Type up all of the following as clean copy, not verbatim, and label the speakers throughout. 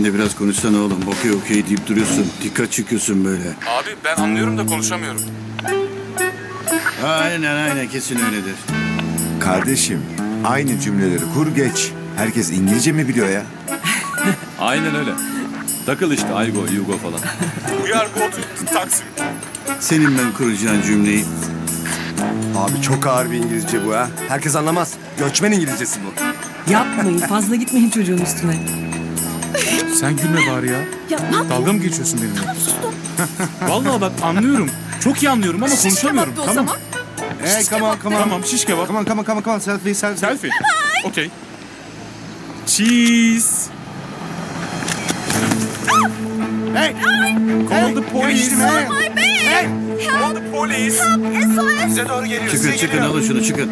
Speaker 1: Sen de biraz konuşsana oğlum. Okey okey deyip duruyorsun. Dikkat çekiyorsun böyle.
Speaker 2: Abi ben anlıyorum da konuşamıyorum.
Speaker 1: Aynen kesin öyledir.
Speaker 3: Kardeşim, aynı cümleleri kur geç. Herkes İngilizce mi biliyor ya?
Speaker 4: Aynen öyle. Takıl işte Aygo, Yugo falan.
Speaker 2: We are go to Taksim.
Speaker 1: Senin ben kuracağın cümleyi.
Speaker 3: Abi çok ağır bir İngilizce bu ha. Herkes anlamaz. Göçmen İngilizcesi bu.
Speaker 5: Yapmayın, fazla gitmeyin çocuğun üstüne.
Speaker 2: Sen gülme bari ya. Dalga mı geçiyorsun benimle? Vallahi bak anlıyorum. Çok iyi anlıyorum ama konuşamıyorum. Tamam.
Speaker 3: Hey, come on.
Speaker 2: Tamam şiş kebap.
Speaker 3: Come on. Selfie.
Speaker 2: Selfie. Okey. Cheese.
Speaker 3: Hey!
Speaker 2: Call the police.
Speaker 3: Hey!
Speaker 2: Call the police.
Speaker 3: Bize doğru geliyor.
Speaker 1: Çıkın alın şunu çıkın.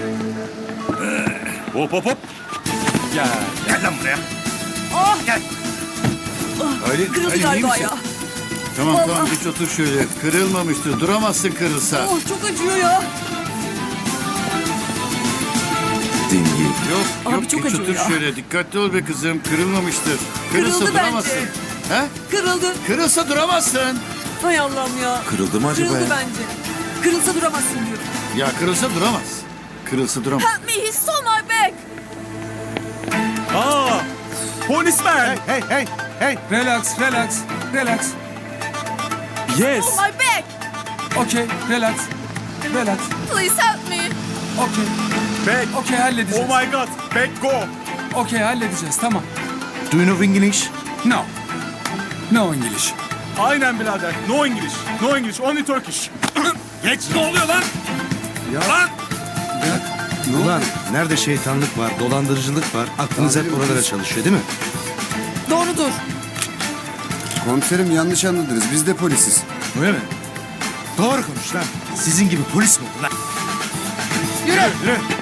Speaker 2: Hop. Gel.
Speaker 3: Gel lan buraya. Gel. Öyle,
Speaker 5: Kırıldı
Speaker 3: iyi
Speaker 5: galiba
Speaker 3: misin?
Speaker 5: ya.
Speaker 1: Tamam geç otur şöyle. Kırılmamıştır. Duramazsın kırılsa.
Speaker 5: Oh, çok acıyor ya.
Speaker 3: Dingi.
Speaker 1: Yok
Speaker 5: Abi çok
Speaker 1: geç
Speaker 5: acıyor
Speaker 1: otur
Speaker 5: ya.
Speaker 1: şöyle. Dikkatli ol be kızım. Kırılmamıştır. Kırılsa
Speaker 5: Kırıldı
Speaker 1: duramazsın. He?
Speaker 5: Kırıldı.
Speaker 1: Kırılsa duramazsın.
Speaker 5: Hay Allah'ım ya.
Speaker 3: Kırıldı mı acaba
Speaker 5: Kırıldı
Speaker 3: ya?
Speaker 5: bence. Kırılsa duramazsın diyorum.
Speaker 1: Ya kırılsa duramaz. Kırılsa duramaz.
Speaker 5: Help me, he stole my bag.
Speaker 2: Aa! Policeman.
Speaker 3: Hey!
Speaker 6: Relax.
Speaker 2: Yes.
Speaker 5: Stole my bag.
Speaker 6: Okay, relax.
Speaker 5: Please help me.
Speaker 6: Okay,
Speaker 2: Back.
Speaker 6: okay halledeceğiz.
Speaker 2: Oh my god. Back go.
Speaker 6: Okay, halledeceğiz, tamam.
Speaker 3: Do you know English?
Speaker 6: No. No English.
Speaker 2: Aynen birader. No English. No English. Only Turkish. Geç. Ne oluyor lan? Lan.
Speaker 7: Ulan nerede şeytanlık var, dolandırıcılık var, aklınız hep oralara çalışıyor değil mi?
Speaker 5: Doğrudur.
Speaker 8: Komiserim yanlış anladınız. Biz de polisiz.
Speaker 7: Öyle mi? Doğru konuş lan. Sizin gibi polis mi olur lan?
Speaker 5: Yürü.